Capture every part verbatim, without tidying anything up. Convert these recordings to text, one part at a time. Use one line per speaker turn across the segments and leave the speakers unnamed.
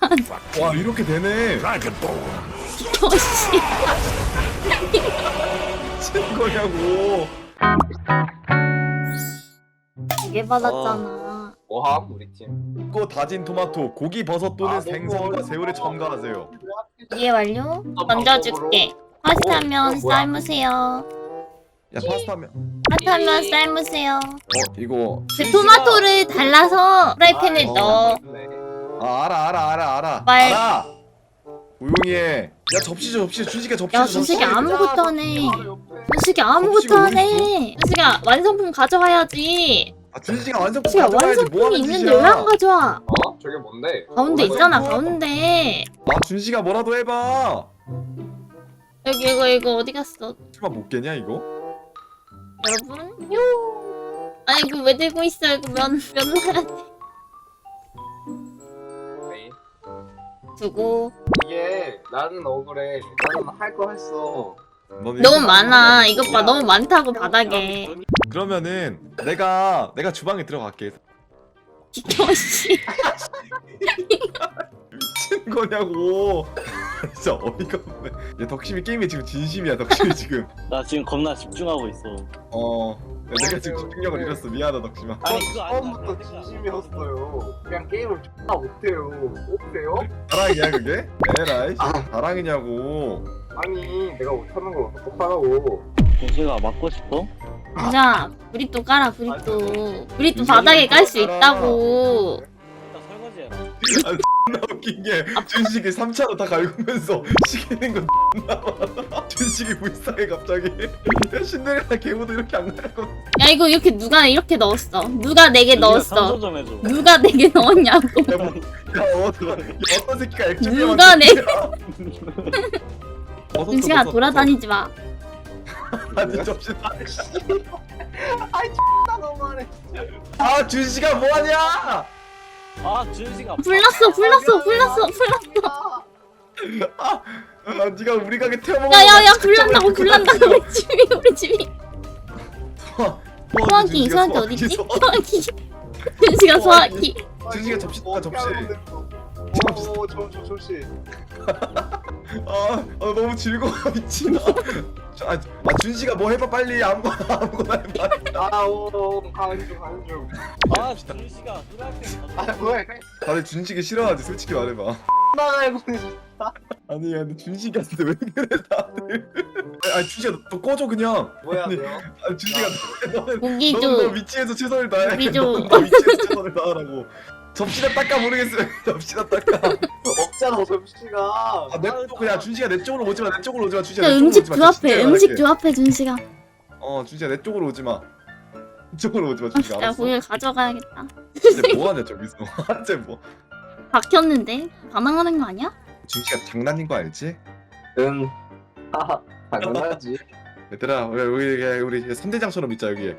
와 이렇게 되네.
어씨.
미친 거냐고.
되게 받았잖아.
뭐함 우리 팀.
고 다진 토마토, 고기 버섯 또는
아,
생선과
너무
새우를
어려워.
첨가하세요.
이해 완료? 던져줄게. 파스타면
어, 뭐야?
삶으세요.
야 파스타면.
파스타면 삶으세요.
어 이거.
그 토마토를 달라서 프라이팬에
어.
넣어.
아 알아 알아 알아 알아.
말-
알아. 조용히 해. 야 접시 줘 접시. 준식이 접시.
야
줘,
준식이
접시.
아무것도 안 해. 준식이 아무것도 안 해. 준식아 완성품 가져와야지.
아 준식이가 완성품
준식아
가져가야지. 뭐
완성품이
하는
있는데
짓이야.
왜 안 가져와?
어? 저게 뭔데?
가운데
어,
있잖아
이거.
가운데.
아 준식아 뭐라도 해봐.
여기 이거 이거 어디 갔어?
설마 못 깨냐 이거?
여러분? 요. 아니 이거 왜 들고 있어? 이거 면, 면 넣어야 돼.
에이.
두고.
이게 나는 억울해. 나는 할 거 했어.
넌
너무
이거
많아.
하는
이것 봐
거야.
너무 많다고 바닥에.
그러면은 내가 내가 주방에 들어갈게.
씨.
미친 거냐고. 진짜 어이가 없네. 얘 덕심이 게임에 지금 진심이야. 덕심이 지금.
나 지금 겁나 집중하고 있어.
어. 야, 내가 지금 집중력을 잃었어. 미안하다 덕심아.
아니 그거 아니다.
처음부터 진심이었어요. 그냥 게임을 존나 못해요. 못해요?
자랑이야 그게? 에라이. 자랑이냐고.
아니 내가 못하는 걸 어떡하라고.
준식아 맞고 싶어?
자, 브리또 깔아, 브리또. 브리또
이거
바닥에 깔 수
깔아.
있다고.
나 설거지해라.
아, 존나 웃긴 게 준식이 삼 차로 다 갈구면서 시키는 거 존나 많아. 준식이 불쌍해 갑자기. 야 신데렐라 개보도 이렇게 안 갈고.
야, 이거 이렇게 누가 이렇게 넣었어? 누가 내게
준식아
넣었어?
상소 좀 해줘.
누가 내게 넣었냐고.
야, 뭐, 야, 어떤, 야, 어떤 새끼가 액젓
누가 내-
버섯
준식아,
버섯,
돌아다니지 마.
버섯. 아니 접시다.
아이 존나 너무하네.
아 준식아 뭐하냐?
아 준식아.
불났어, 불났어, 불났어, 불났어.
아, 아 네가 우리 가게 태워먹어.
야, 야, 야, 불난다고, 불난다고. 우리 집이, 우리 집이. 소화기, 소화기 어딨지? 소화기. 준식아, 소화기.
준식아 접시 다 접시.
오, 저, 저, 접시.
아, 아 너무 즐거워 미친아. 아, 아 준식아 뭐 해봐 빨리 아무거나 아무거나 해봐.
아, 오, 오, 가는 중, 가는 중.
아 준식아 프라이팬
아,
가져.
뭐야?
다들 준식이 싫어하지 솔직히 말해봐.
나가고
아니 야 근데 준식이한테 왜 그래 다들. 아 준식아 너, 너 꺼져 그냥.
뭐야,
아니,
돼요?
아 준식아 너는
고기
너는 너
줘.
위치에서 최선을 다해.
고기 줘.
너는 너 위치에서 최선을 다하라고. 접시나 닦아 모르겠어요. 접시나 닦아.
없잖아, 접시가.
아, 내 그냥 준식아 내 쪽으로 오지 마. 내 쪽으로 오지 마. 준식아
야,
내 쪽으로
음식
오지 마.
주 앞에,
진짜
음식
말할게.
주 앞에, 준식아.
어, 준식아 내 쪽으로 오지 마. 이쪽으로 오지 마. 준식아
야,
알았어.
고기를 가져가야겠다.
이제 뭐 하냐 저기서. 이제 뭐.
박혔는데? 반항하는 거 아니야?
준식아 장난인 거 알지?
응. 하하, 당연하지.
얘들아 우리 우리 우리 선대장처럼 있자 여기에.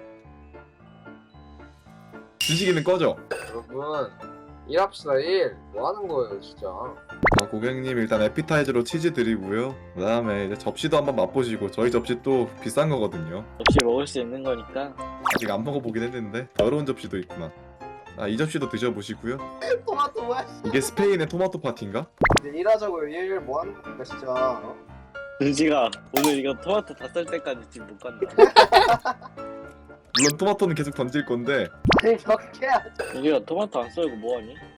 준식이는 꺼져.
여러분, 일합시다, 일. 뭐 하는 거예요, 진짜.
어, 고객님 일단 에피타이저로 치즈 드리고요. 그다음에 이제 접시도 한번 맛보시고 저희 접시 또 비싼 거거든요.
역시 먹을 수 있는 거니까.
아직 안 먹어보긴 했는데 더러운 접시도 있구나. 아, 이 접시도 드셔보시고요.
토마토 뭐야?
이게 스페인의 토마토 파티인가?
이제 일하자고요, 일. 뭐 하는 겁니까, 진짜. 어?
준식아 오늘 이거 토마토 다 썰 때까지 집 못 간다.
물론 토마토는 계속 던질 건데
아니, 몇 개야?
준식아 토마토 안 썰고 뭐하니?